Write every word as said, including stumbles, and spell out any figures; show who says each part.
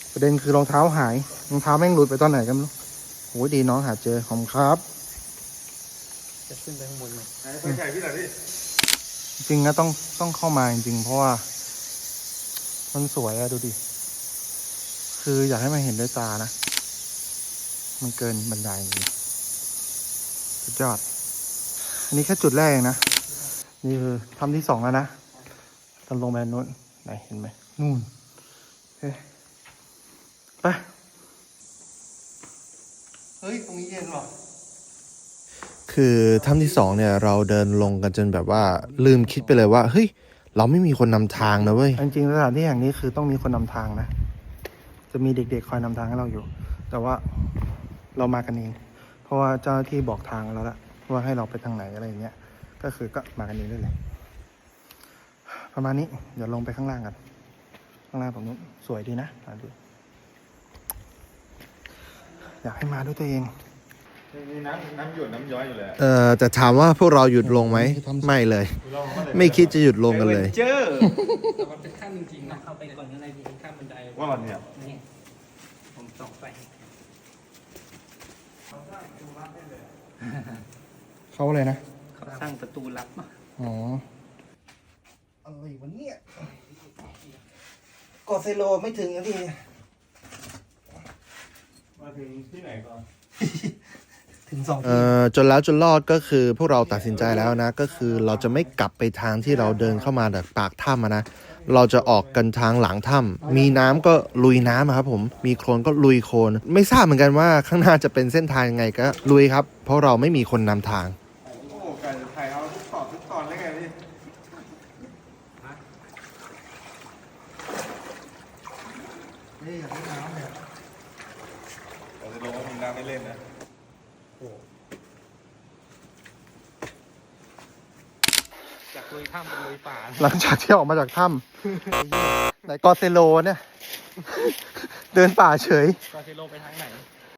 Speaker 1: ประเด็นคือรองเท้าหายรองเท้าแม่งหลุดไปตอนไหนกันไม่รู้โหดีน้องหาเจอขอบคุณครับ
Speaker 2: จะขึ้นไปข้างบนไหม
Speaker 3: ไปแข่งที่ไหนพี่
Speaker 1: จริงนะต้องต้องเข้ามาจริงๆเพราะว่ามันสวยอะดูดิคืออยากให้มันเห็นด้วยตานะมันเกินบันไดจริงสุดยอดอันนี้แค่จุดแรกเองนะนี่คือทำที่สองแล้วนะตอนลงไปนู้นไหนเห็นไหมนู่นเฮ้ยไปเฮ้ยตรงนี้เย็นว่ะ
Speaker 4: คือถ้ำที่สองเนี่ยเราเดินลงกันจนแบบว่าลืมคิดไปเลยว่าเฮ้ยเราไม่มีคนนำทางนะเว้ย
Speaker 1: จริงๆสถานที่แห่งนี้คือต้องมีคนนำทางนะจะมีเด็กๆคอยนำทางให้เราอยู่แต่ว่าเรามากันเองเพราะว่าเจ้าหน้าที่บอกทางเราแล้วว่าให้เราไปทางไหนอะไรอย่างเงี้ยก็คือก็มากันเองได้เลยประมาณนี้เดี๋ยวลงไปข้างล่างกันข้างล่างตรงนู้นสวยดีนะดูอยากให้มาด้วยตัวเอง
Speaker 3: มีน้ำน้ำหยดน้ำย้อยอยู่เลย
Speaker 4: เอ่อแต่ถามว่าพวกเราหยุดลงไหมไม่เลย ไม่คิดจะหยุดลงกันเลย
Speaker 3: เจอ
Speaker 2: แต่มันเป็นขั้นจริงๆนะเข้าไปก่อนอะไรดีขั้นบันได
Speaker 3: ว่ามันเนี่ย
Speaker 2: นี่ผมส่องไป
Speaker 1: เขาอะไรนะ
Speaker 2: เขาสร้างประตูลับมา
Speaker 1: อ๋ออะไรวะเนี่ยกอเซโลไม่ถึงนาที
Speaker 3: มาถึงที่ไหนก่อน
Speaker 1: ถึงสอง
Speaker 4: เอ่อจนแล้วจนรอดก็คือพวกเราตัดสินใจแล้วนะก็คือเราจะไม่กลับไปทางที่เราเดินเข้ามาจากปากถ้ำอะนะเราจะออกกันทางหลังถ้ำมีน้ำก็ลุยน้ำอะครับผมมีโคลนก็ลุยโคลนไม่ทราบเหมือนกันว่าข้างหน้าจะเป็นเส้นทางยังไงก็ลุยครับเพราะเราไม่มีคนนำทาง
Speaker 3: โอ้ไก่ไข่เอาทุกตอนทุกตอนได้ไงพี่
Speaker 1: นี่อยากให้น้ำเนี่ย
Speaker 3: เราจะลงว่ามีน้ำไม่เล่นนะ
Speaker 2: จากลุยถ้ำเป็นลุยป่า
Speaker 1: หลังจากที่ออกมาจากถ้ำไหนกอเซโลเนี่ย เดินป่าเฉย
Speaker 2: กอเซโลไปทางไหน